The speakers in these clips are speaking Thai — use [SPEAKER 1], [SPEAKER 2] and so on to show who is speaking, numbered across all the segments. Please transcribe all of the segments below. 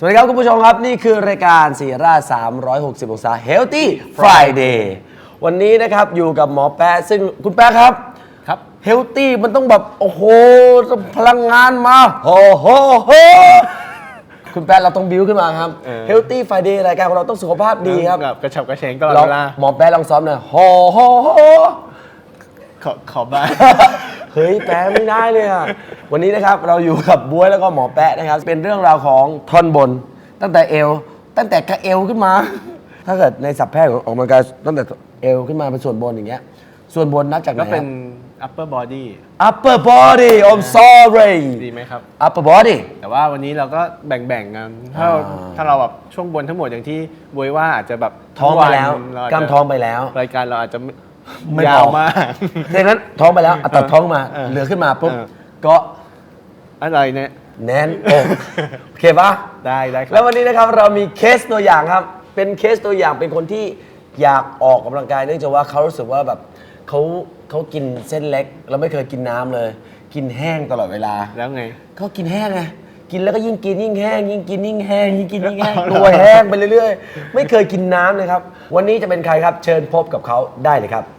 [SPEAKER 1] สวัสดีครับคุณผู้ชมครับนี่คือรายการสีรา360 องศา Healthy Friday วันนี้นะครับอยู่กับหมอแป๊ะซึ่งคุณแป๊ะครับเฮลตี้มันต้องแบบโอ้โหพลังงานมาโอ้โหคุณแป๊ะเราต้องบิ้วขึ้นมาครับ Healthy Friday รายการของเราต้องสุขภาพดีครับ
[SPEAKER 2] กระฉับกระเฉงตลอดเวลา
[SPEAKER 1] หมอแป๊ะลองซ้อมหน่อยโห
[SPEAKER 2] ขอบ้าง
[SPEAKER 1] เฮ้ยแป๊ะไม่ได้เลยอ่ะวันนี้นะครับเราอยู่กับบ๊วยแล้วก็หมอแป๊ะนะครับเป็นเรื่องราวของท่อนบนตั้งแต่เอวตั้งแต่กระเอวขึ้นมา ถ้าเกิดในศัพท์แพทย์ออกกำลังกายตั้งแต่เอวขึ้นมาเป็นส่วนบนอย่างเงี้ยส่วนบนนับจากไหน
[SPEAKER 2] ก็เป็น upper body
[SPEAKER 1] upper body I'm sorry
[SPEAKER 2] ดีไหมครับ
[SPEAKER 1] upper body
[SPEAKER 2] แต่ว่าวันนี้เราก็แบ่งๆกันถ้าเราแบบช่วงบนทั้งหมดอย่างที่บวยว่าอาจจะแบบ
[SPEAKER 1] ท้องไปแล้วกล้ามท้องไปแล้ว
[SPEAKER 2] รายการเราอาจจะ
[SPEAKER 1] ไม่
[SPEAKER 2] ยาวมาก
[SPEAKER 1] ดังนั้นท้องไปแล้วตัดท้องมาเหลือขึ้นมาปุ๊บก็
[SPEAKER 2] อะไรเนี่ย
[SPEAKER 1] แน่นอกโอเคปะ
[SPEAKER 2] ได้ครับ
[SPEAKER 1] แล้ววันนี้นะครับเรามีเคสตัวอย่างครับเป็นเคสตัวอย่างเป็นคนที่อยากออกกำลังกายเนื่องจากว่าเขารู้สึกว่าแบบเขากินเส้นเล็กแล้วไม่เคยกินน้ำเลย กินแห้งตลอดเวลา
[SPEAKER 2] แล้วไง
[SPEAKER 1] ก็กินแห้งไงกินแล้วก็ยิ่งกินยิ่งแห้งยิ่งกินยิ่งแห้งยิ่งกินยิ่งแห้งตัวแห้งไปเรื่อยๆไม่เคยกินน้ำเลยครับวันนี้จะเป็นใครครับเชิญพบกับเขาได้เลยครับ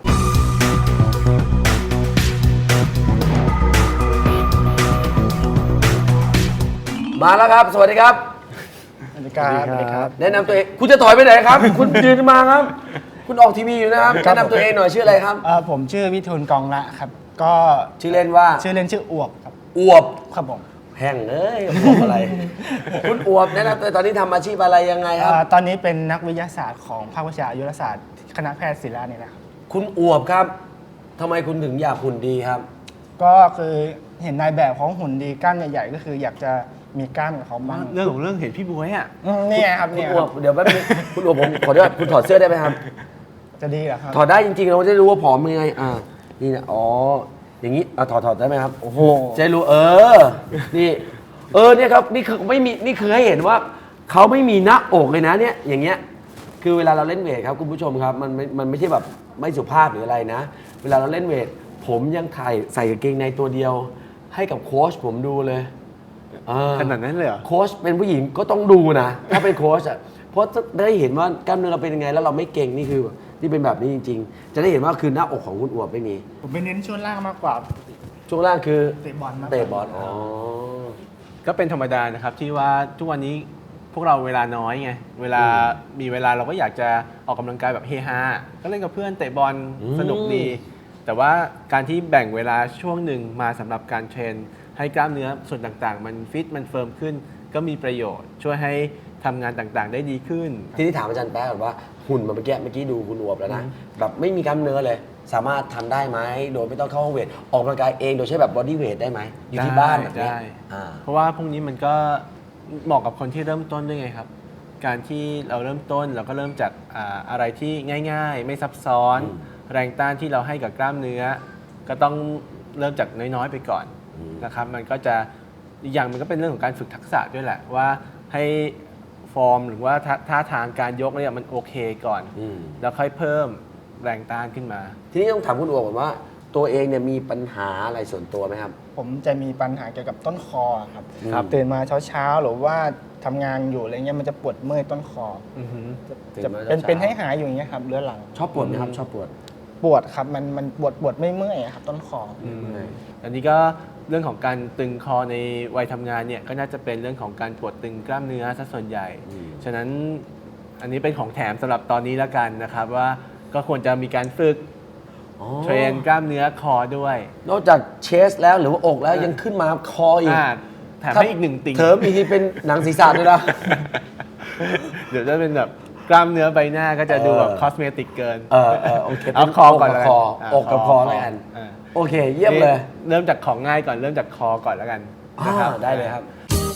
[SPEAKER 1] มาแล้วครับสวัสดีครับ
[SPEAKER 3] สวัสดีครับ
[SPEAKER 1] แนะนำตัวเองคุณจะถอยไปไหนครับ คุณยืนมาครับคุณออกทีวีอยู่นะครับแนะนำตัวเองหน่อยชื่ออะไรครับ
[SPEAKER 3] ผมชื่อวิทูลกองละครับก็
[SPEAKER 1] ชื่อเล่นว่า
[SPEAKER 3] ชื่อเล่นชื่ออวบครับ
[SPEAKER 1] อวบ
[SPEAKER 3] ครับผม
[SPEAKER 1] แห้งเอ้ยอวบอะไร คุณอวบแนะนำตัวตอนนี้ทำอาชีพอะไรยังไงครับ
[SPEAKER 3] ตอนนี้เป็นนักวิทยาศาสตร์ของภาควิชาอายุรศาสตร์คณะแพทย์ศิริราชนี่นะครับ
[SPEAKER 1] คุณอวบครับทำไมคุณถึงอยากหุ่นดีครับ
[SPEAKER 3] ก็คือเห็นนายแบบของหุ่นดีกล้ามใหญ่ๆก็คืออยากจะมีกล้ามกับเขาบ้าง
[SPEAKER 2] เรื่องเห็นพี่บวยอ่ะ
[SPEAKER 3] นี่ครับ
[SPEAKER 1] คุณอวบเดี๋ยวแป๊บนึงคุณอวบผมขออนุญาตคุณถอดเสื้อได้ไหมครับ
[SPEAKER 3] จะดีเหรอครับ
[SPEAKER 1] ถอดได้จริงๆเราจะได้รู้ว่าผอมยังไงนี่นะอ๋ออย่างนี้ถอดได้ไหมครับโอ้โหจะรู้นี่เนี่ยครับนี่คือไม่มีนี่คือให้เห็นว่าเขาไม่มีหน้าอกเลยนะเนี่ยอย่างเงี้ยคือเวลาเราเล่นเวทครับคุณผู้ชมครับมันไม่ใช่แบบไม่สุภาพหรืออะไรนะเวลาเราเล่นเวทผมยังใส่กางเกงในตัวเดียวให้กับโค้ชผมดูเลย
[SPEAKER 2] ขนาดนั้นเลยเหรอ
[SPEAKER 1] โค้ชเป็นผู้หญิงก็ต้องดูนะถ้าเป็นโค้ชอ่ะเพราะได้เห็นว่ากล้ามเนื้อเราเป็นยังไงแล้วเราไม่เก่งนี่คือที่เป็นแบบนี้จริงๆจะได้เห็นว่าคือหน้าอกของคุณอวบไม่มี
[SPEAKER 3] ผมไปเน้นช่วงล่างมากกว่า
[SPEAKER 1] ช่วงล่างคือ
[SPEAKER 3] เตะบอล
[SPEAKER 2] ก็เป็นธรรมดานะครับที่ว่าทุกวันนี้พวกเราเวลาน้อยไงเวลามีเวลาเราก็อยากจะออกกำลังกายแบบเฮฮาก็เล่นกับเพื่อนเตะบอลสนุกดีแต่ว่าการที่แบ่งเวลาช่วงหนึ่งมาสำหรับการเทรนให้กล้ามเนื้อส่วนต่างๆมันฟิตมันเฟิร์มขึ้นก็มีประโยชน์ช่วยให้ทำงานต่างๆได้ดีขึ้น
[SPEAKER 1] ทีนี้ถามอาจารย์แป๊ะก่อนว่าหุ่นเมื่อกี้ดูคุณอวบแล้วนะแบบไม่มีกล้ามเนื้อเลยสามารถทำได้ไหมโดยไม่ต้องเข้าห้องเวทออกกำลังกายเองโดยใช้แบบบอดี้เวทได้ไหมอยู่ที่บ้านแบบนี้
[SPEAKER 2] เพราะว่าพวกนี้มันก็เหมาะกับคนที่เริ่มต้นด้วยไงครับการที่เราเริ่มต้นเราก็เริ่มจากอะไรที่ง่ายๆไม่ซับซ้อนแรงต้านที่เราให้กับกล้ามเนื้อก็ต้องเริ่มจากน้อยๆไปก่อนนะครับมันก็จะอีกอย่างมันก็เป็นเรื่องของการฝึกทักษะด้วยแหละว่าให้ฟอร์มหรือว่าท่าทางการยกเนี่ยมันโอเคก่อนแล้วค่อยเพิ่มแรงต้านขึ้นมา
[SPEAKER 1] ทีนี้ต้องถามคุณอวบก่อนว่าตัวเองเนี่ยมีปัญหาอะไรส่วนตัวไหมครับ
[SPEAKER 3] ผมจะมีปัญหาเกี่ยวกับต้นคอครับตื่นมาเช้าหรือว่าทำงานอยู่อะไรเงี้ยมันจะปวดเมื่อยต้นคอจะเป็นให้หายอยู่อย่างเงี้ยครับเรื้อรัง
[SPEAKER 1] ชอบปวดไหมครับชอบ
[SPEAKER 3] ปวดครับมันปวดไม่เมื่อยครับต้นคอ
[SPEAKER 2] อันนี้ก็เรื่องของการตึงคอในวัยทำงานเนี่ยก็น่าจะเป็นเรื่องของการปวดตึงกล้ามเนื้อซะส่วนใหญ่ฉะนั้นอันนี้เป็นของแถมสำหรับตอนนี้แล้วกันนะครับว่าก็ควรจะมีการฝึกเทรนกล้ามเนื้อคอด้วย
[SPEAKER 1] นอกจากเชสแล้วหรือว่าอกแล้วยังขึ้นมาคออีก
[SPEAKER 2] แถมให้อีกหนึ่งติ่ง
[SPEAKER 1] เถิมอีกทีเป็นหนังศีรษะด้วยนะ
[SPEAKER 2] เดี๋ยวจะเป็นแบบกล้ามเนื้อใบหน้าก็จะดูแบบคอสเมติกเกิน
[SPEAKER 1] โอเค
[SPEAKER 2] เอาคอก่อนเลย
[SPEAKER 1] อกกับคอแล้วกันโอเคเยี่ยมเลย
[SPEAKER 2] เริ่มจากของง่ายก่อนเริ่มจากคอก่อนแล้วกันนะครับ
[SPEAKER 1] ได้เลยครับ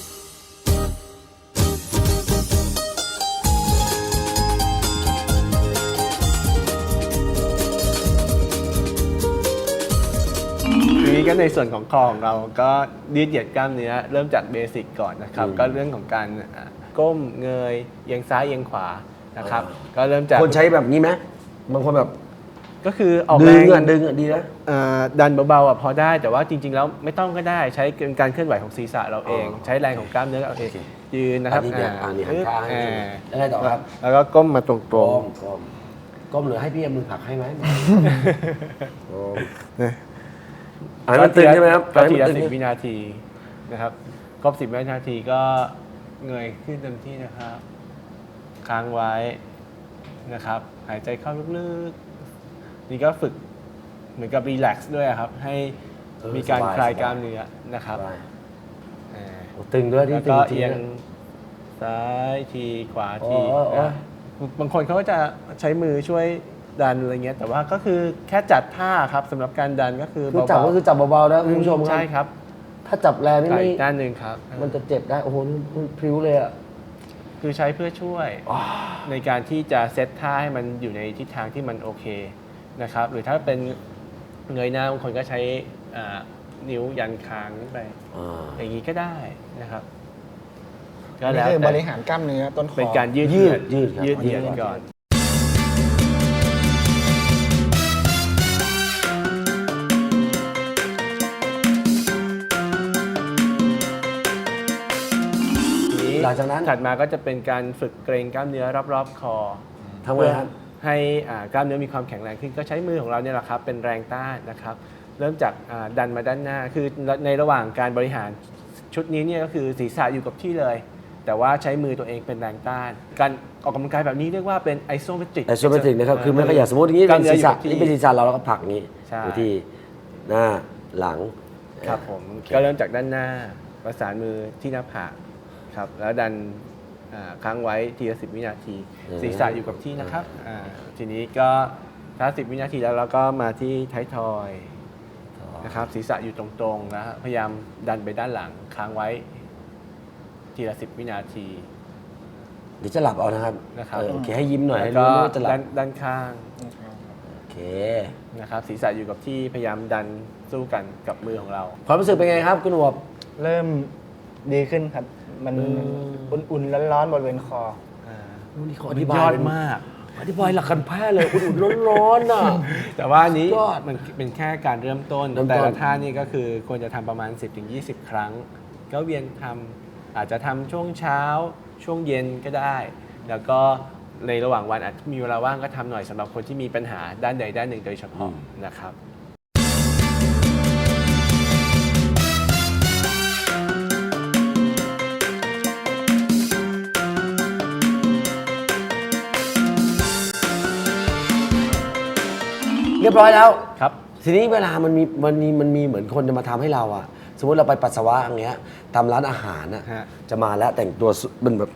[SPEAKER 2] ทีนี้ก็ในส่วนของคอของเราก็ยืดเหยียดกล้ามเนื้อเริ่มจากเบสิกก่อนนะครับก็เรื่องของการก้มเงยเอียงซ้ายเอียงขวานะครับก็เริ่มจาก
[SPEAKER 1] คนใช้แบบนี้ไหมบางคนแบบ
[SPEAKER 2] ก็คือออกแรง
[SPEAKER 1] ดึงดีนะ
[SPEAKER 2] ดันเบาๆพอได้แต่ว่าจริงๆแล้วไม่ต้องก็ได้ใช้การเคลื่อนไหวของศีรษะเราเองใช้แรงของกล้ามเนื้อเราเองยืนนะครับ
[SPEAKER 1] อันนี้เนี่ยอันนี้หันข้างให้ดูแล้วไงต่อครับ
[SPEAKER 2] แล้วก็ก้มมาตรง
[SPEAKER 1] ก้มก้มหรือให้พี่เอามือผลักให้ไหมก้ม
[SPEAKER 2] ๆ
[SPEAKER 1] อันนี้มันตึงใช่ไหมครับ
[SPEAKER 2] ก็ทีละ
[SPEAKER 1] อันนี้มันตึง
[SPEAKER 2] 10 วินาทีนะครับครบ10 วินาทีก็เงยขึ้นเต็มที่นะครับค้างไว้นะครับหายใจเข้าลึกๆนี่ก็ฝึกเหมือนกับรีแลกซ์ด้วยครับให้มีการคลายกล้ามเนื้อนะครับอ่า
[SPEAKER 1] โอ้ตึงด้วยที่
[SPEAKER 2] แล้ว
[SPEAKER 1] ตึง
[SPEAKER 2] ก็
[SPEAKER 1] จริ
[SPEAKER 2] เอียง
[SPEAKER 1] ง
[SPEAKER 2] ซ้ายทีขวาที
[SPEAKER 1] อ๋ออ๋อ
[SPEAKER 2] นะบางคนเขาก็จะใช้มือช่วยดันอะไรเงี้ยแต่ว่าก็คือแค่จัดท่าครับสำหรับการดันก็คือ
[SPEAKER 1] คือจับ
[SPEAKER 2] เบา
[SPEAKER 1] ก็คือจับเบาๆนะ
[SPEAKER 2] ๆ
[SPEAKER 1] คุณผู้ชมครั
[SPEAKER 2] ใช่
[SPEAKER 1] บ
[SPEAKER 2] ครับ
[SPEAKER 1] ถ้าจับแรงนี่
[SPEAKER 2] ไก่
[SPEAKER 1] ไม่
[SPEAKER 2] ด้านหนึ่งครับ
[SPEAKER 1] มันจะเจ็บได้ โอ้โหนี่มันพริ้วเลยอ่ะ
[SPEAKER 2] คือใช้เพื่อช่วยในการที่จะเซตท่าให้มันอยู่ในทิศทางที่มันโอเคนะครับหรือถ้าเป็นเงยหน้าบางคนก็ใช้นิ้วยันค้างไปอย่างนี้ก็ได้นะครับก็
[SPEAKER 3] นี่
[SPEAKER 2] แล้ว
[SPEAKER 3] คือบ
[SPEAKER 2] แต่
[SPEAKER 3] ริหารกล้ามเนื้อต้นคอ
[SPEAKER 2] เป็นการยืด
[SPEAKER 1] ยืด
[SPEAKER 2] ครับ
[SPEAKER 1] ยื
[SPEAKER 2] ยื
[SPEAKER 1] ด
[SPEAKER 2] ดเหยียดก่อน
[SPEAKER 1] หลังจากนั้น
[SPEAKER 2] ถัดมาก็จะเป็นการฝึกเกรงกล้ามเนื้อรอบๆคอ
[SPEAKER 1] ทำไงครับ
[SPEAKER 2] ให้กล้ามเนื้อมีความแข็งแรงขึ้นก็ใช้มือของเราเนี่ยแหละครับเป็นแรงต้านนะครับ เริ่มจากดันมาด้านหน้าคือในระหว่างการบริหารชุดนี้เนี่ยก็คือศีรษะอยู่กับที่เลย แต่ว่าใช้มือตัวเองเป็นแรงต้าน การออกกำลังกายแบบนี้เรียกว่าเป็นไอโซเมตริก
[SPEAKER 1] ไอโซเมตริกนะครับ คือไม่ขยับสมมติอย่างนี้เป็นศีรษะนี่เป็นศีรษะเราแล้วก็ผลักอย่างนี้
[SPEAKER 2] ใช่
[SPEAKER 1] อยู่ที่หน้าหลัง
[SPEAKER 2] ครับผมก็เริ่มจากด้านหน้าประสานมือที่หน้าผากครับแล้วดันค้างไว้ทีละ10 วินาที ศีรษะอยู่กับที่นะครับทีนี้ก็ถ้า10 วินาทีแล้วเราก็มาที่ท้ายทอยนะครับศีรษะอยู่ตรงๆนะฮะพยายามดันไปด้านหลังค้างไว้ทีละ10 วินาที
[SPEAKER 1] เดี๋ยวจะหลับเอานะครับ
[SPEAKER 2] นะครับ
[SPEAKER 1] โอเคให้ยิ้มหน่อยให้
[SPEAKER 2] แล้ว
[SPEAKER 1] รู้
[SPEAKER 2] ก็
[SPEAKER 1] ว่าจะหลับ
[SPEAKER 2] ด้านข้าง
[SPEAKER 1] โอเค
[SPEAKER 2] นะครับศีรษะอยู่กับที่พยายามดันสู้กันกับมือของเรา
[SPEAKER 1] ความรู้สึกเป็นไงครับคุณอวบ
[SPEAKER 3] เริ่มดีขึ้นครับ มันอุ่นๆร้อนๆบริเวณคอ
[SPEAKER 1] นี่เขาอ
[SPEAKER 2] มัน
[SPEAKER 1] ธิบาย
[SPEAKER 2] ยอด
[SPEAKER 1] เป็น
[SPEAKER 2] มาก
[SPEAKER 1] อธิบายหลักการแพทย์เลยอุ่นๆร้อนๆน่ะ
[SPEAKER 2] แต่ว่าอันนี้
[SPEAKER 1] สุดยอด
[SPEAKER 2] มันเป็นแค่การเริ่มต้น
[SPEAKER 1] เริ่มต้น
[SPEAKER 2] แต่ละท่านี่ก็คือควรจะทำประมาณ 10-20 ครั้ง ก็เวียนทำอาจจะทำช่วงเช้าช่วงเย็นก็ได้ แล้วก็ในระหว่างวันอาจจะมีเวลาว่างก็ทำหน่อยสำหรับคนที่มีปัญหาด้านใดด้านหนึ่งโดยเฉพาะนะครับ
[SPEAKER 1] เรียบร้อยแล้ว
[SPEAKER 2] ครับ
[SPEAKER 1] ทีนี้เวลามันมีเหมือนคนจะมาทำให้เราอะสมมติเราไปปัสสาวะอย่างเงี้ยตามร้านอาหารอะ
[SPEAKER 2] ฮะ
[SPEAKER 1] จะมาแล้วแต่งตัวเป็นแบบ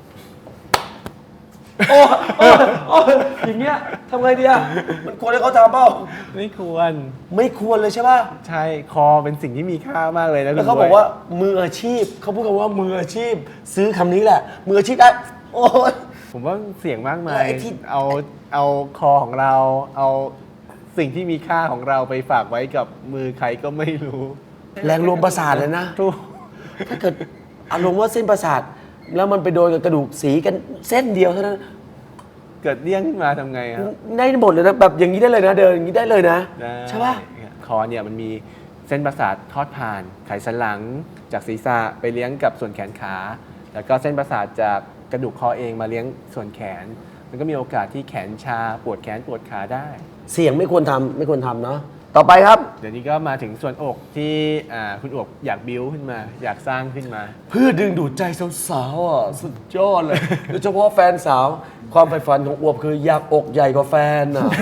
[SPEAKER 1] โอ้อย่างเงี้ยทำไงดีอะมันควรให้เขาทำเปล่า
[SPEAKER 2] ไม่ควร
[SPEAKER 1] ไม่ควรเลยใช่ป่ะ
[SPEAKER 2] ใช่คอเป็นสิ่งที่มีค่ามากเลยนะ
[SPEAKER 1] แล้ว
[SPEAKER 2] คุณ
[SPEAKER 1] เขาบอกว่ามืออาชีพเขาพูดกันว่ามืออาชีพ ซื้อคำนี้แหละ มืออาชีพได้โอ้ย
[SPEAKER 2] ผมว่าเสี่ยงมากมา
[SPEAKER 1] แล้ว
[SPEAKER 2] ย
[SPEAKER 1] ไอ้ที่
[SPEAKER 2] เอาคอของเรา เอาสิ่งที่มีค่าของเราไปฝากไว้กับมือใครก็ไม่รู้
[SPEAKER 1] แรงรวมประสาทเลยนะ
[SPEAKER 2] ถูก
[SPEAKER 1] ถ้าเกิดอารมณ์ว่าเส้นประสาท แล้วมันไปโดนกับกระดูกสีกันเส้นเดียวเท่านั้น
[SPEAKER 2] เกิดเลี่ยงขึ้นมาทำไงครับ
[SPEAKER 1] ได้หมดเลยนะแบบอย่างนี้ได้เลยนะ เดินอย่างนี้ได้เลยนะ
[SPEAKER 2] ได้
[SPEAKER 1] ใช่ป่ะ
[SPEAKER 2] คอเนี่ยมันมีเส้นประสาททอดผ่านไขสันหลังจากศีรษะไปเลี้ยงกับส่วนแขนขา แล้วก็เส้นประสาทจากกระดูกคอเองมาเลี้ยงส่วนแขน มันก็มีโอกาสที่แขนชาปวดแขนปวดขาได้
[SPEAKER 1] เสี่ยงไม่ควรทำไม่ควรทำเนาะต่อไปครับ
[SPEAKER 2] เดี๋ยวนี้ก็มาถึงส่วนอกที่คุณอกอยากบิ้วขึ้นมา อยากสร้างขึ้นมา
[SPEAKER 1] เพื่อดึงดูดใจสาวๆอ่ะสุดยอดเลย โดยเฉพาะแฟนสาว ความใฝ่ฝันของอวบคืออยากอกใหญ่กว่าแฟนอ่ะ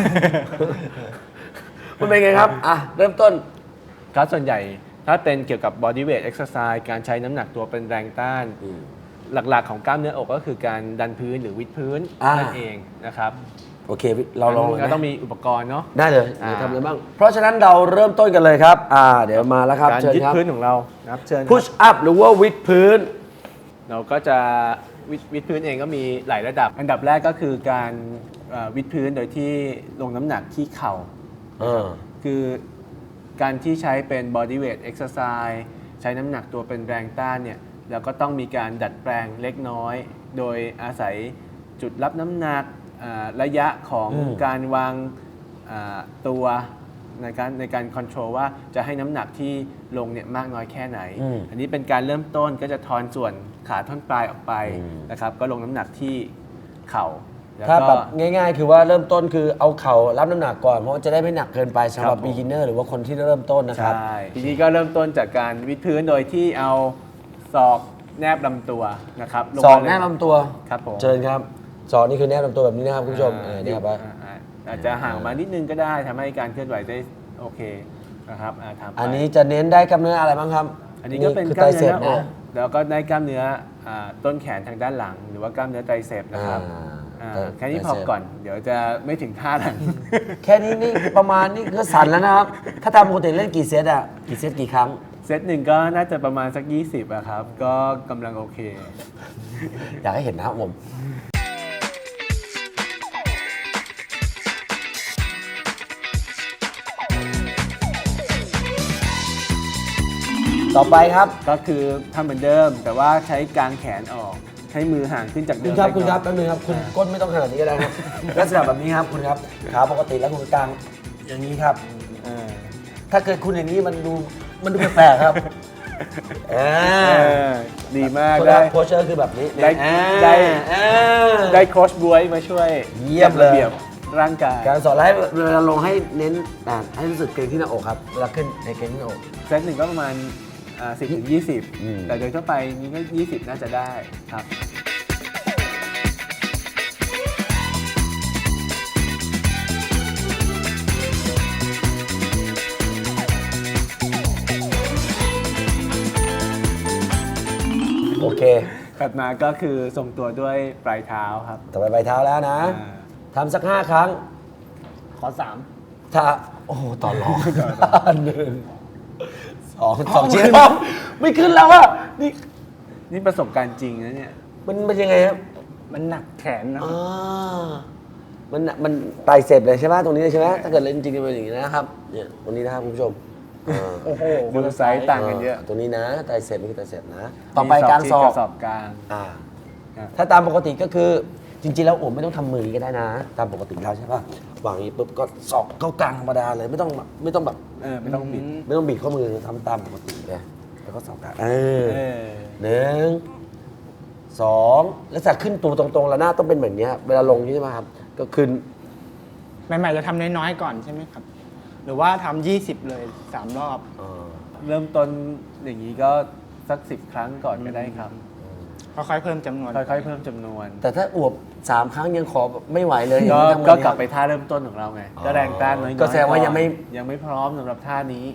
[SPEAKER 1] มันเป็นไงครับอ่ะเริ่มต้น
[SPEAKER 2] ครับส่วนใหญ่ถ้าเป็นเกี่ยวกับ body weight exercise การใช้น้ำหนักตัวเป็นแรงต้าน หลักๆของกล้ามเนื้ออกก็คือการดันพื้นหรือวิดพื้นนั่นเองนะครับ
[SPEAKER 1] โอเค เราลองเลย
[SPEAKER 2] ก็
[SPEAKER 1] นะ
[SPEAKER 2] ต้องมีอุปกรณ์เนาะ
[SPEAKER 1] ได้เลยเดี๋ยวทำอะไรบ้าง เพราะฉะนั้นเราเริ่มต้นกันเลยครับ เดี๋ยวมาแล้วครับ
[SPEAKER 2] การ
[SPEAKER 1] เชิญ
[SPEAKER 2] ยึด
[SPEAKER 1] ครับ
[SPEAKER 2] พื้นของเรานะครับเชิญครับ
[SPEAKER 1] push up หรือว่าวิดพื้น
[SPEAKER 2] เราก็จะวิดพื้นเองก็มีหลายระดับ อันดับแรกก็คือการวิดพื้นโดยที่ลงน้ำหนักที่เข่า คือการที่ใช้เป็น body weight exercise ใช้น้ำหนักตัวเป็นแรงต้านเนี่ยเราก็ต้องมีการดัดแปลงเล็กน้อย โดยอาศัยจุดรับน้ำหนักระยะของการวางตัวในการคอนโทรลว่าจะให้น้ำหนักที่ลงเนี่ยมากน้อยแค่ไหน
[SPEAKER 1] อืม
[SPEAKER 2] อันนี้เป็นการเริ่มต้นก็จะทอนส่วนขาท่อนปลายออกไป
[SPEAKER 1] อืม
[SPEAKER 2] นะครับก็ลงน้ำหนักที่เข่าแล้ว
[SPEAKER 1] ถ้า
[SPEAKER 2] ก็
[SPEAKER 1] แบบง่ายๆ คือว่าเริ่มต้นคือเอาเข่ารับน้ำหนักก่อนเพราะว่าจะได้ไม่หนักเกินไปสำหรับ
[SPEAKER 2] ครับผม
[SPEAKER 1] beginner หรือว่าคนที่เริ่มต้นนะครับ
[SPEAKER 2] ใช่ทีนี้ก็เริ่มต้นจากการวิดพื้นโดยที่เอาศอกแนบลำตัวนะครับลง
[SPEAKER 1] สอง
[SPEAKER 2] มาเลย
[SPEAKER 1] แนบลำตัว
[SPEAKER 2] ครับผม
[SPEAKER 1] เชิญครับสองนี่คือแนบลำตัวแบบนี้นะครับคุณผู้ชม เนี่ยครับ
[SPEAKER 2] อาจจะห่างมานิดนึงก็ได้ทำให้การเคลื่อนไหวได้โอเคนะครับทำไป
[SPEAKER 1] อันนี้จะเน้นได้กล้ามเนื้ออะไรบ้างครับ
[SPEAKER 2] อันนี้ก็เป็น
[SPEAKER 1] คือก
[SPEAKER 2] ล้า
[SPEAKER 1] ไต
[SPEAKER 2] ม
[SPEAKER 1] เส
[SPEAKER 2] เนื้
[SPEAKER 1] พ
[SPEAKER 2] อหน้าอ
[SPEAKER 1] นะ
[SPEAKER 2] กแล้วก็ได้กล้ามเนื้อต้นแขนทางด้านหลัง หรือว่ากล้ามเนื้อไตรเสพนะครับ แค่นี้พอก่อน เดี๋ยวจะไม่ถึงท่านั้น
[SPEAKER 1] แค่นี้นี่ประมาณนี่ก็สั่นแล้วนะครับ ถ้าตามปกติเล่นกี่เซตอ่ะกี่เซตกี่ครั้ง
[SPEAKER 2] เซตหนึ่งก็น่าจะประมาณสัก 20อะครับ ก็กำลังโอเค
[SPEAKER 1] อยากให้เห็นนะครับผม ต่อไปครับ
[SPEAKER 2] ก็คือทำเหมือนเดิม แต่ว่าใช้กางแขนออก ใช้มือห่างขึ้นจากเดิ
[SPEAKER 1] คุ
[SPEAKER 2] ม
[SPEAKER 1] ณครับ
[SPEAKER 2] เล็ก
[SPEAKER 1] คุณครับ
[SPEAKER 2] น้
[SPEAKER 1] แป๊
[SPEAKER 2] อย
[SPEAKER 1] บนึงครับคุณก้นไม่ต้องขนาดนี้ก็ได้ครับ ลักษณะแบบนี้ครับคุณครับขาปกติแล้วคุณกลางอย่างนี้ครับ
[SPEAKER 2] เออ
[SPEAKER 1] ถ้าเกิดคุณอย่างนี้มันดูแปลกๆครับ
[SPEAKER 2] เออดีมาก
[SPEAKER 1] คุณค
[SPEAKER 2] ได้
[SPEAKER 1] รับโพสเชอร์คือแบบนี้
[SPEAKER 2] ได้
[SPEAKER 1] ได้
[SPEAKER 2] ได้โค้ชบวยมาช่วย
[SPEAKER 1] เยี่ยมเลย
[SPEAKER 2] จัดระเบียบร่างกาย
[SPEAKER 1] การสอนให้เวลาลงให้เน้นให้รู้สึกเกร็งที่หน้าอกครับเวลาขึ้นในเกร็งที่หน้าอก
[SPEAKER 2] เซตหนึ่งก็ประมาณ10 ถึง
[SPEAKER 1] อืม
[SPEAKER 2] 20 แต่โดยทั่วไปนี้ก็ 20 น่าจะได้ครับ
[SPEAKER 1] โอเค
[SPEAKER 2] ถัดมาก็คือทรงตัวด้วยปลายเท้าครับ
[SPEAKER 1] ต่อไปใบเท้าแล้วนะ
[SPEAKER 2] อ่า
[SPEAKER 1] ทำสัก 5 ครั้ง
[SPEAKER 3] ขอ
[SPEAKER 1] ถ้าโอ้โหต่อรองหนึ่งสองชิ้นไม่ขึ้นแล้วอะนี่
[SPEAKER 2] นี่ประสบการณ์จริงนะเนี่ย
[SPEAKER 1] มันยังไงครับ
[SPEAKER 3] 3 มันหนักแขนนะ
[SPEAKER 1] อ่ามันไตรเสพเลยใช่ไหมตรงนี้เลยใช่ไหมถ้าเกิดเล่นจริงๆจะเป็นอย่างนี้นะครับเนี่ยตรงนี้นะครับคุณผู้ชมอ่า
[SPEAKER 3] โอ้โห
[SPEAKER 2] ดูไซส์ต่างกันเยอะ
[SPEAKER 1] ตรงนี้นะไตรเสพนี่คือไตรเสพนะ ต่อไปการสอบ
[SPEAKER 2] สอบกลาง
[SPEAKER 1] อ่า
[SPEAKER 2] ครับ
[SPEAKER 1] ถ้าตามปกติก็คือจริงๆแล้วผมไม่ต้องทำมือก็ได้นะ ตามปกติแล้วใช่ป่ะวางอย่างนี้ปุ๊บก็สอกเข้ากลางธรรมดาเลยไม่ต้องไม่ต้องแบบ
[SPEAKER 2] ไม่ต้องบิด
[SPEAKER 1] ไม่ต้องบีบข้อมือทำตามปกติเลยแล้วก็สอกกลาง
[SPEAKER 2] เออ
[SPEAKER 1] หนึ่งสองแล้วจะขึ้นตัวตรงๆแล้วหน้าต้องเป็นแบบเนี้ยเวลาลงใช่ไหมครับก็ขึ้น
[SPEAKER 3] ใหม่ๆจะทำน้อยๆก่อนใช่ไหมครับ หรือว่าทำ20 เลย 3 รอบ
[SPEAKER 2] เริ่มต้นอย่างนี้ก็สัก 10 ครั้งก่อนก็ได้ครับ
[SPEAKER 3] ค่อยๆเพิ่มจำนวน
[SPEAKER 2] ค่อยๆเพิ่มจำนวน
[SPEAKER 1] แต่ถ้าอวบ3 ครั้งยังขอไม่ไหวเลย
[SPEAKER 2] ก็
[SPEAKER 1] อย่างนี้ทำไง
[SPEAKER 2] ก็
[SPEAKER 1] ครับ
[SPEAKER 2] กลับไปท่าเริ่มต้นของเราไง ก็แรงต้านน้อยๆ
[SPEAKER 1] ก็แสดงว่ายังไม่
[SPEAKER 2] ยังไม่พร้อมสำหรับท่านี้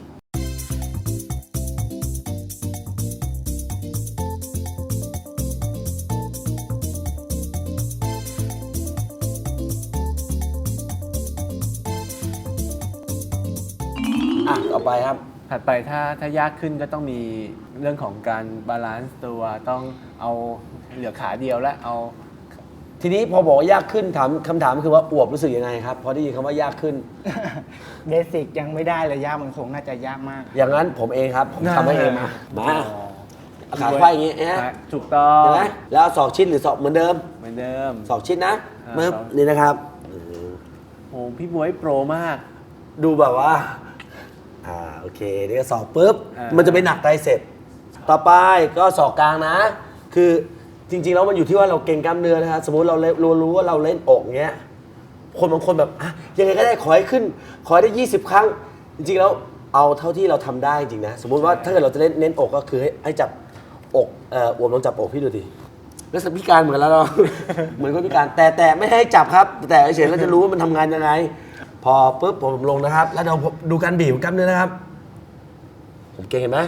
[SPEAKER 1] ต่อไปครับ
[SPEAKER 2] ถัดไปถ้ายากขึ้นก็ต้องมีเรื่องของการบาลานซ์ตัวต้องเอาเหลือขาเดียวและเอา
[SPEAKER 1] ทีนี้พอบอกว่ายากขึ้นถามคำถามคือว่าอวบรู้สึกยังไงครับพอได้ยินคำว่ายากขึ้น
[SPEAKER 3] เบสิกยังไม่ได้เลยยากมันคงน่าจะยากมาก
[SPEAKER 1] อย่างนั้นผมเองครับผมทำให้เองมาเอาขาไขว้อย่างนี้นะ
[SPEAKER 2] ถูกต้อง
[SPEAKER 1] เห็นไหมแล้วเอาศอกชิดหรือศอกเหมือนเดิม
[SPEAKER 2] เหมือนเดิม
[SPEAKER 1] ศอกชิดนะ
[SPEAKER 2] อ่า
[SPEAKER 1] ปึ๊บ
[SPEAKER 2] ศอก
[SPEAKER 1] นี่นะครับ
[SPEAKER 2] โอ้พี่บวยโปรมาก
[SPEAKER 1] ดูแบบว่าโอเคนี่ก็ศอกปุ๊บ
[SPEAKER 2] อ่ามั
[SPEAKER 1] มันจะไปหนักไตรเสพต่อไปก็ศอกกลางนะ คือจริงๆแล้วมันอยู่ที่ว่าเราเก่งกล้ามเนื้อนะครับสมมุติเรารู้ว่าเราเล่นอกเงี้ยคนบางคนแบบยังไงก็ได้ขอให้ขึ้น ขอให้ได้ 20 ครั้ง จริงๆแล้วเอาเท่าที่เราทำได้จริงนะสมมุติว่าถ้าเกิดเราจะเน้นอกก็คือให้จับอกอวมลองจับอกพี่ดูดิแล้วพิการเหมือนแล้วเรา เหมือนคนพิการแต่ไม่ให้จับครับ แต่เฉยๆเราจะรู้ว่ามันทำงานยังไง พอปุ๊บผมลงนะครับ แล้วเราดูการบีบกล้ามเนื้อนะครับ ผมเก่งเห็นไหม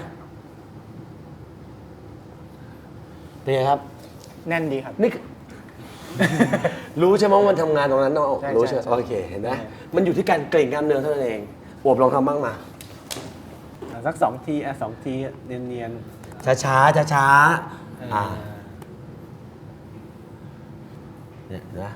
[SPEAKER 1] เป็นไงครับ
[SPEAKER 3] แน่นดีครับ
[SPEAKER 1] นี่คือ รู้ใช่ไหมว่ามันทำงานตรงนั้นเนาะ
[SPEAKER 3] ใช่
[SPEAKER 1] รู้ใช่ไหม
[SPEAKER 3] ใช่
[SPEAKER 1] โอเคเห็นไหมมันอยู่ที่การเกร็งกล้ามเนื้อเท่านั้นเองอวบลองทำบ้างมา
[SPEAKER 2] สัก2 ที2 ทีเนียน
[SPEAKER 1] ช้าๆช้า
[SPEAKER 2] ๆ
[SPEAKER 1] ๆเนี่ยนะ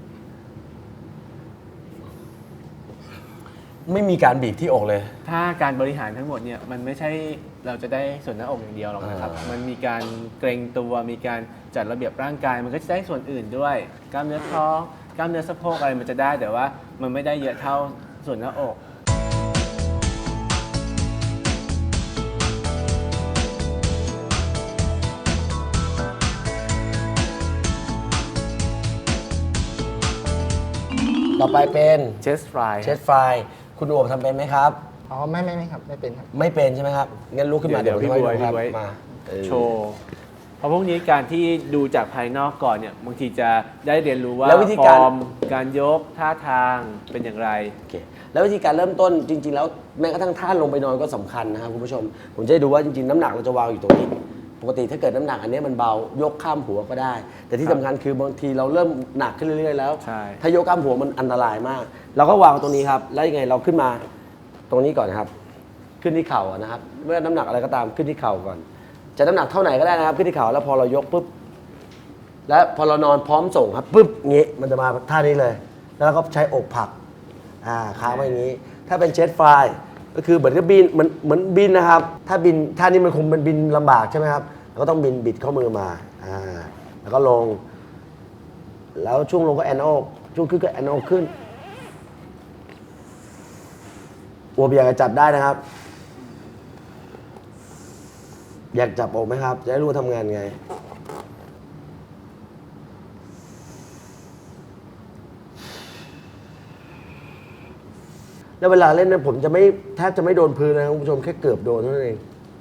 [SPEAKER 1] ไม่มีการบีบที่อกเลย
[SPEAKER 2] ถ้าการบริหารทั้งหมดเนี่ยมันไม่ใช่เราจะได้ส่วนหน้าอกอย่างเดียวหรอกนะครับ มันมีการเกรงตัวมีการจัดระเบียบร่างกาย มันก็จะได้ส่วนอื่นด้วย กล้ามเนื้อท้องกล้ามเนื้อสะโพกอะไรมันจะได้แต่ว่ามันไม่ได้เยอะเท่าส่วนหน้าอก
[SPEAKER 1] ต่อไปเป็น
[SPEAKER 2] เชสฟราย
[SPEAKER 1] เชสฟรายคุณอวบทำเป็นไหมครับ
[SPEAKER 3] อ๋อไม่ครับไม่เป็นครับ
[SPEAKER 1] ไม่เป็นใช่ไหมครับงั้นลุกขึ้นมา
[SPEAKER 2] เดี๋ยว
[SPEAKER 1] ผม
[SPEAKER 2] พี่
[SPEAKER 1] ให้
[SPEAKER 2] บ๊วย
[SPEAKER 1] ดูครับ
[SPEAKER 2] พี่บ๊วย
[SPEAKER 1] มาเออ
[SPEAKER 2] โชว์เพราะพวกนี้การที่ดูจากภายนอกก่อนเนี่ยบางทีจะได้เรียนรู้ว่า
[SPEAKER 1] แล้ววิธี
[SPEAKER 2] ฟ
[SPEAKER 1] การ
[SPEAKER 2] อร์มการยกท่าทางเป็นอย่างไร
[SPEAKER 1] โอเคแล้ววิธีการเริ่มต้นจริง ๆ แล้วแม้กระทั่งท่าลงไปนอนก็สำคัญนะครับคุณผู้ชม ผมจะให้ดูว่าจริง ๆ น้ำหนักเราจะวางอยู่ตรงนี้ ปกติถ้าเกิดน้ำหนักอันนี้มันเบายกข้ามหัวก็ได้ แต่ที่สำคัญคือบางทีเราเริ่มหนักขึ้นเรื่อยๆแล้ว
[SPEAKER 2] ใช่
[SPEAKER 1] ถ้ายกข้ามหัวมันอันตรายมาก เราก็วางตรงนี้ครับแล้วยังไงเราขึ้นมาตรงนี้ก่อนนะครับ ขึ้นที่เข่านะครับเมื่อน้ำหนักอะไรก็ตามขึ้นที่เข่าก่อน จะน้ำหนักเท่าไหนก็ได้นะครับขึ้นที่เข่าแล้วพอเรายกปุ๊บแล้วพอเรานอนพร้อมส่งครับปุ๊บงี้มันจะมาท่านี้เลย แล้วเราก็ใช้อกผลักค้างไว้อย่างนี้ ถ้าเป็นเจ็ตไฟล์ก็คือเหมือนกับบินเหมือนบินนะครับ ถ้าบินท่านี้มันคงเป็นบินลำบากใช่ไหมครับเราก็ต้องบิดข้อมือมาแล้วก็ลง แล้วช่วงลงก็แอนโอกช่วงขึ้นก็แอนโอกขึ้นอวบอยากจะจับได้นะครับ อยากจับอกไหมครับ จะได้รู้ว่าทำงานไง แล้วเวลาเล่นเนี่ยผมจะไม่แทบจะไม่โดนพื้นนะครับคุณผู้ชมแค่เกือบโดนเท่านั้นเอง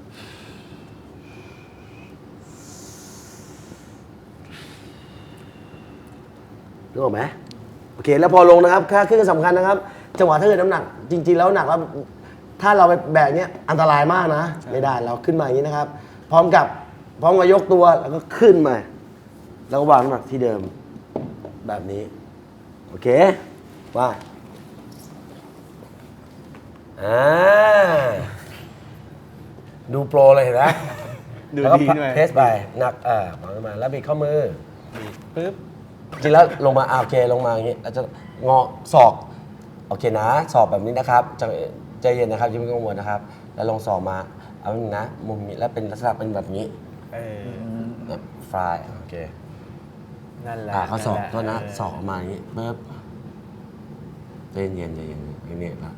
[SPEAKER 1] นึกออกไหมโอเคแล้วพอลงนะครับค่าขึ้นสำคัญนะครับ จังหวะถ้าเกิดน้ำหนัก จริง ๆ แล้วหนักแล้วถ้าเราไปแบกเนี้ยอันตรายมากนะ ไม่ได้เราขึ้นมาอย่างนี้นะครับ พร้อมกับยกตัวแล้วก็ขึ้นมา แล้วก็วางน้ำหนักที่เดิมแบบนี้ โอเคว่าดูโปรเลยเห็นไหม
[SPEAKER 2] ดู
[SPEAKER 1] แล้วก็
[SPEAKER 2] ดีด้วย
[SPEAKER 1] เทสไปหนักวางขึ้นมาแล้วบิดข้อมือ
[SPEAKER 2] ปึ๊บ
[SPEAKER 1] จริงแล้วลงมาโอเคลงมาอย่างนี้แล้วจะงอศอกโอเคนะศอกแบบนี้นะครับใจเย็นนะครับอย่าเพิ่งกังวลนะครับ แล้วลงศอกมาเอาหนึ่งนะมุมนี้แล้วเป็นลักษณะเป็นแบบนี้ฟลายโอเค
[SPEAKER 2] นั่นแหละ
[SPEAKER 1] เขาศอก
[SPEAKER 2] นั่นแหละ
[SPEAKER 1] ก็นะศอกออกมาอย่างนี้ปึ๊บใจเย็นอย่างนี้ครับ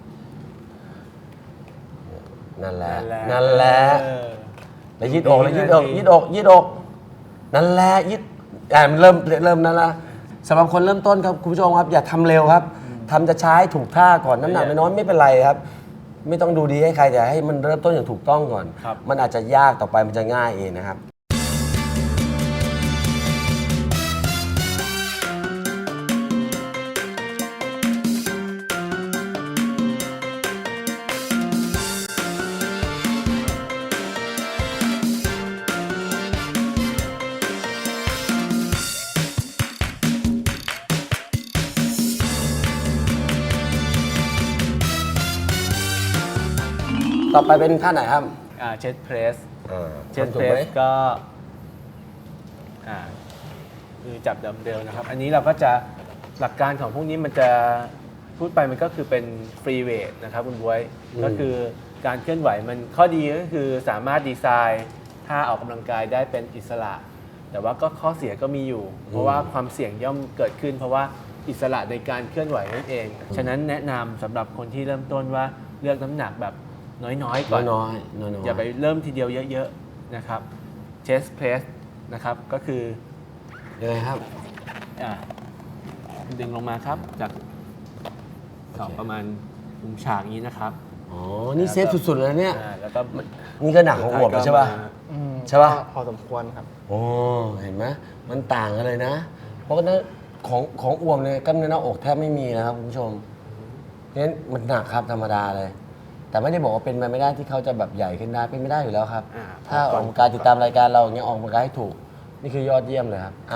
[SPEAKER 1] นั่นแหละนั่นแหละแล้วยืดอกแล้วยืดอกนั่นแหละยืดมันเริ่มนั่นละสำหรับคนเริ่มต้นครับคุณผู้ชมครับอย่าทำเร็วครับทำจะช้าให้ถูกท่าก่อนน้ำหนักน้อยไม่เป็นไรครับ ไม่ต้องดูดีให้ใครแต่ให้มันเริ่มต้นอย่างถูกต้องก่อน มันอาจจะยากต่อไปมันจะง่ายเองนะครับต่อไปเป็นท่าไหนครับ
[SPEAKER 2] เชสเพรส เชส
[SPEAKER 1] ทำถู
[SPEAKER 2] เพ
[SPEAKER 1] ก
[SPEAKER 2] ร
[SPEAKER 1] ไหม
[SPEAKER 2] สก็คือจับดัมเบลนะครับ อันนี้เราก็จะหลักการของพวกนี้มันจะพูดไปมันก็คือเป็นฟรีเวทนะครับคุณบ๊วยก็คือการเคลื่อนไหวมันข้อดีก็คือสามารถดีไซน์ท่าออกกำลังกายได้เป็นอิสระ แต่ว่าก็ข้อเสียก็มีอยู่ เพราะว่าความเสี่ยงย่อมเกิดขึ้น เพราะว่าอิสระในการเคลื่อนไหวนั่นเอง ฉะนั้นแนะนำสำหรับคนที่เริ่มต้นว่าเลือกน้ำหนักแบบน้อยๆก่อน
[SPEAKER 1] น้อยๆ
[SPEAKER 2] อย่าไปเริ่มทีเดียวเยอะๆนะครับ chest press นะครับก็คือ
[SPEAKER 1] ยังไงครับ
[SPEAKER 2] อ่ะดึงลงมาครับจากสองประมาณมุมฉากนี้นะครับ
[SPEAKER 1] อ๋อ นี่เซฟสุดๆเลยนะเนี่ย
[SPEAKER 2] แล้วก็
[SPEAKER 1] นี่ก็หนักของอวบเลยใช่ป่ะ ใช่ปะ
[SPEAKER 3] พอสมควรครับ
[SPEAKER 1] โอ้ เห็นไหมมันต่างกันเลยนะ เพราะว่าของอวบเนี่ยกล้ามเนื้อหน้าอกแทบไม่มีนะครับคุณผู้ชมเพราะฉะนั้นมันหนักครับธรรมดาเลย แต่ไม่ได้บอกว่าเป็นไปไม่ได้ที่เขาจะแบบใหญ่ขึ้นได้เป็นไม่ได้อยู่แล้วครับ ถ้าออกกำลังกายติดตามรายการเราอย่างเงี้ยออกกำลังกายให้ถูก นี่คือยอดเยี่ยมเลยครับ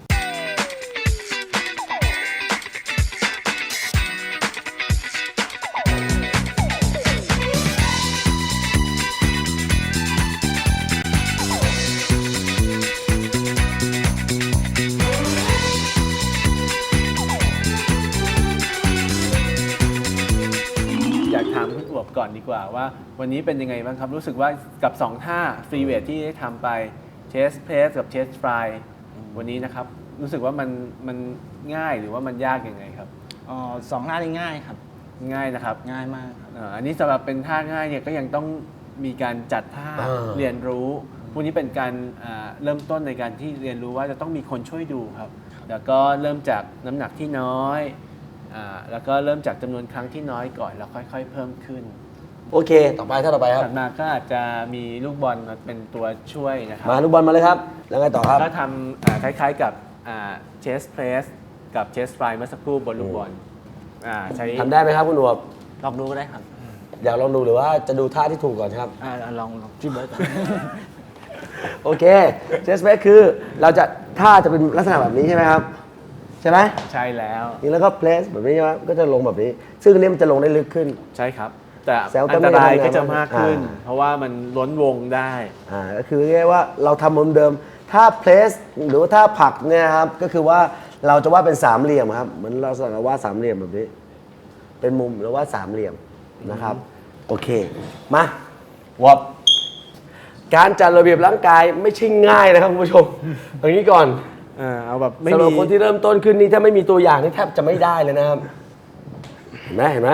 [SPEAKER 2] อยากถามคุณอวบก่อนดีกว่าว่าวันนี้เป็นยังไงบ้างครับ รู้สึกว่ากับ 2 ท่าฟรีเวทที่ได้ทำไป chest press กับ chest fly วันนี้นะครับ รู้สึกว่ามันง่ายหรือว่ามันยากยังไงครับ
[SPEAKER 3] สองหน้านี่ง่ายครับ
[SPEAKER 2] ง่ายนะครับ
[SPEAKER 3] ง่ายมากครับ
[SPEAKER 2] อันนี้สำหรับเป็นท่าง่ายเนี่ยก็ยังต้องมีการจัดท่าเรียนรู้พวกนี้เป็นการเริ่มต้นในการที่เรียนรู้ว่าจะต้องมีคนช่วยดูครับแล้วก็เริ่มจากน้ำหนักที่น้อยแล้วก็เริ่มจากจำนวนครั้งที่น้อยก่อนแล้วค่อยๆเพิ่มขึ้น
[SPEAKER 1] โอเค ต่อไปท่าต่อไปครับ
[SPEAKER 2] ถัดมาก็อาจจะมีลูกบอลมาเป็นตัวช่วยนะครั
[SPEAKER 1] มาลูกบอลมาเลยครับ แล้วไงต่อครับ
[SPEAKER 2] ก็ทำคล้ายๆกับเชสเพรสกับเชสฟลายเมื่อสักครู่บนลูกบอลใช้
[SPEAKER 1] ทำได้ไหมครับคุณอวบ
[SPEAKER 4] ลองดูก็ได้ครับ
[SPEAKER 1] อยากลองดูหรือว่าจะดูท่าที่ถูกก่อนครับ
[SPEAKER 4] ลองจิ้มเบิร์ดก่อน
[SPEAKER 1] โอเคเชสเบสคือเราจะท่าจะเป็นลักษณะแบบนี้ใช่ไหมครับ ใช่ไหม
[SPEAKER 2] ใช่แล้ว
[SPEAKER 1] นี่แล้วก็เพลสแบบนี้ใช่ไหมก็จะลงแบบนี้ ซึ่งอันนี้มันจะลงได้ลึกขึ้น
[SPEAKER 2] ใช่ครับ แต่
[SPEAKER 1] แซวก็
[SPEAKER 2] อัน
[SPEAKER 1] ไม่
[SPEAKER 2] ต
[SPEAKER 1] ได้
[SPEAKER 2] ราย
[SPEAKER 1] ทำงาน
[SPEAKER 2] ก็จะมากขึ้น
[SPEAKER 1] อ่า
[SPEAKER 2] เพราะว่ามันล้นวงได้
[SPEAKER 1] ก็คือง่ายๆว่าเราทำมุมเดิมถ้าเพลสหรือว่าถ้าผลักเนี่ยครับก็คือว่าเราจะวาดเป็นสามเหลี่ยมครับเหมือนเราสั่งวาดสามเหลี่ยมแบบนี้ เป็นมุมแล้ววาดสามเหลี่ยมนะครับ โอเคมาวับการจัดระเบียบร่างกายไม่ใช่ง่ายนะครับคุณผู้ชมอย่างนี้ก่อน
[SPEAKER 2] เอาแบบไม่
[SPEAKER 1] สำหรับ
[SPEAKER 2] มี
[SPEAKER 1] คนที่เริ่มต้นขึ้นนี่ถ้าไม่มีตัวอย่างนี่แทบจะไม่ได้เลยนะครับเห็นไหมเห็นไหม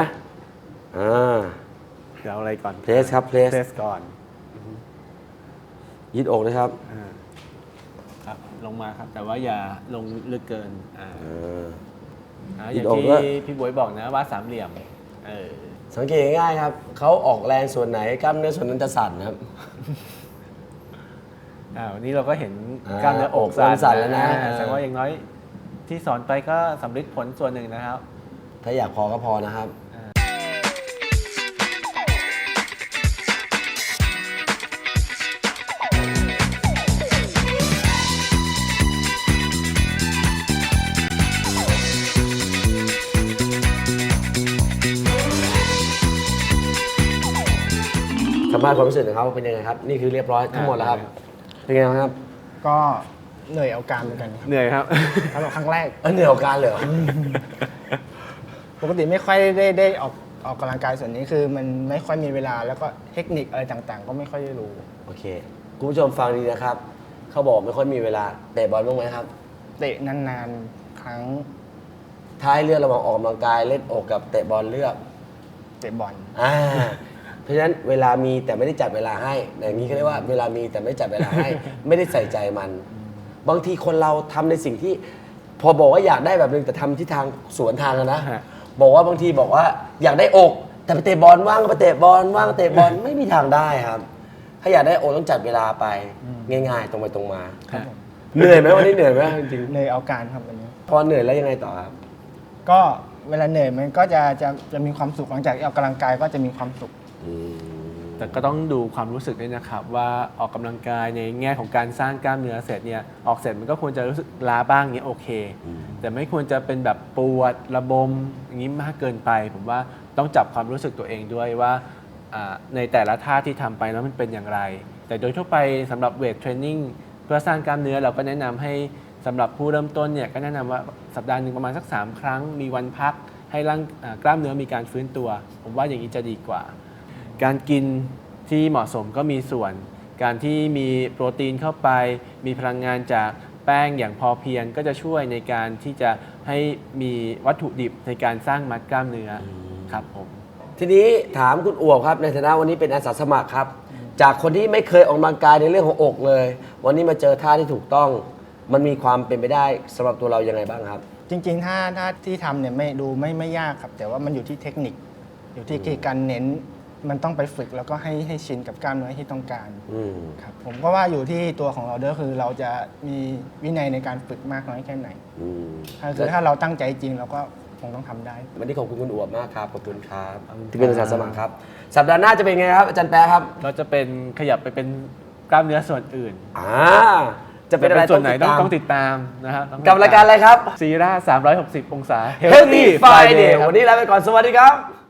[SPEAKER 2] เดี๋ยวเอาอะไรก่อน
[SPEAKER 1] เพลสครับเพลส
[SPEAKER 2] เพรสก่อน
[SPEAKER 1] ยืดอกนะครับ
[SPEAKER 2] ครับลงมาครับ แต่ว่าอย่าลงลึกเกินอ
[SPEAKER 1] ยื
[SPEAKER 2] ย่า
[SPEAKER 1] ด
[SPEAKER 2] ง
[SPEAKER 1] อก
[SPEAKER 2] ที่
[SPEAKER 1] ด้วย
[SPEAKER 2] พี่บวยบอกนะว่าสามเหลี่ยม
[SPEAKER 1] สังเกตง่ายๆครับเขาออกแรงส่วนไหนกล้ามเนื้อส่วนนั้นจะสั่นนะครับ
[SPEAKER 2] วันนี้เราก็เห็น
[SPEAKER 1] อ่าก
[SPEAKER 2] ล้ามเนื้ออก
[SPEAKER 1] อกเริ่มสั่นแล้วนะ
[SPEAKER 2] แสดงว่าอย่างน้อยที่สอนไปก็สำเร็จผลส่วนหนึ่งนะครับ
[SPEAKER 1] ถ้าอยากพอก็พอนะครับ สัมภาษณ์ความรู้สึกของเขาเป็นยังไงครับ นี่คือเรียบร้อยทั้งหมดแล้วครับ เป็นไงบ้างครับ
[SPEAKER 3] ก็เหนื่อยเอาการเหมือนกันครับ
[SPEAKER 2] เหนื่อยครับ
[SPEAKER 3] สำหรับครั้งแรก
[SPEAKER 1] เหนื่อยกับการเลยเหรอ
[SPEAKER 3] ปกติไม่ค่อยได้ออกกำลังกายส่วนนี้คือมันไม่ค่อยมีเวลาแล้วก็เทคนิคอะไรต่างๆ ก็ไม่ค่อยได้รู้
[SPEAKER 1] โอเค คุณผู้ชมฟังดีนะครับ เขาบอกไม่ค่อยมีเวลาเตะบอลบ้างไหมครับ
[SPEAKER 3] เตะนานๆ ครั้ง
[SPEAKER 1] ถ้าให้เลือกระหว่างออกกำลังกายเล่นอกกับเตะบอลเลือก
[SPEAKER 3] เตะบอล
[SPEAKER 1] เพราะฉะนั้นเวลามีแต่ไม่ได้จัดเวลาให้อย่างนี้เขาเรียกว่าเวลามีแต่ไม่จัดเวลาให้ ไม่ได้ใส่ใจมัน บางทีคนเราทำในสิ่งที่ พอบอกว่าอยากได้แบบนึงแต่ทำที่ทางสวนทางกันนะ
[SPEAKER 2] ฮะ
[SPEAKER 1] บอกว่าบางทีบอกว่าอยากได้อก แต่ไปเตะบอลว่างก็ไปเตะบอลว่างก็เตะบอลไม่มีทางได้ครับ ถ้าอยากได้อกต้องจัดเวลาไปง่ายๆ ตรงไปตรงมา เหนื่อยไหมวันนี้เหนื่อยไหมจริง
[SPEAKER 3] เหนื่อยเอาการครับวันนี้
[SPEAKER 1] ๆพอเหนื่อยแล้วยังไงต่อครับ
[SPEAKER 3] ก็เวลาเหนื่อยมันก็จะมีความสุขหลังจากที่ออกกำลังกายก็จะมีความสุข
[SPEAKER 2] แต่ก็ต้องดูความรู้สึกด้วยนะครับว่าออกกำลังกายในแง่ของการสร้างกล้ามเนื้อเสร็จเนี่ยออกเสร็จมันก็ควรจะรู้สึกล้าบ้างเนี้ยโอเค แต่ไม่ควรจะเป็นแบบปวดระบมอย่างนี้มากเกินไป ผมว่าต้องจับความรู้สึกตัวเองด้วยว่าในแต่ละท่าที่ทำไปแล้วมันเป็นอย่างไร แต่โดยทั่วไปสำหรับเวทเทรนนิ่งเพื่อสร้างกล้ามเนื้อเราก็แนะนำให้สำหรับผู้เริ่มต้นเนี่ยก็แนะนำว่าสัปดาห์หนึ่งประมาณสัก3 ครั้งมีวันพักให้กล้ามเนื้อมีการฟื้นตัว ผมว่าอย่างนี้จะดีกว่า การกินที่เหมาะสมก็มีส่วน การที่มีโปรตีนเข้าไป มีพลังงานจากแป้งอย่างพอเพียงก็จะช่วยในการที่จะให้มีวัตถุดิบในการสร้างมัดกล้ามเนื้อครับผม
[SPEAKER 1] ทีนี้ถามคุณอวบครับในฐานะวันนี้เป็นอาสาสมัครครับ จากคนที่ไม่เคยออกกำลังกายในเรื่องของอกเลย วันนี้มาเจอท่าที่ถูกต้อง มันมีความเป็นไปได้สำหรับตัวเรายังไงบ้างครับ
[SPEAKER 3] จริงๆ ถ้าที่ทำเนี่ยไม่ยากครับ แต่ว่ามันอยู่ที่เทคนิค อยู่ที่การเน้นมันต้องไปฝึกแล้วก็ให้ชินกับกล้ามเนื้อที่ต้องการครับผมก็ว่าอยู่ที่ตัวของเราด้วยคือเราจะมีวินัยในการฝึกมากน้อยแค่ไหนถ้าเราตั้งใจจริงเราก็คงต้องทำได้
[SPEAKER 1] วันนี้ขอบคุณคุณอวบมากครับขอบคุณครับที่เป็นอาสาสมัครครับ สัปดาห์หน้าจะเป็นไงครับอาจารย์แป๊ะครับ
[SPEAKER 2] เราจะเป็นขยับไปเป็นกล้ามเนื้อส่วนอื่น
[SPEAKER 1] จะเป็นอะไร
[SPEAKER 2] ส่วนไหนต้อง
[SPEAKER 1] ติดตาม
[SPEAKER 2] ต้องติดตามนะครับ
[SPEAKER 1] กับรายการอะไรครับ
[SPEAKER 2] ซีร่า360 องศา
[SPEAKER 1] Healthy Friday วันนี้ลาไปก่อนสวัสดีครับ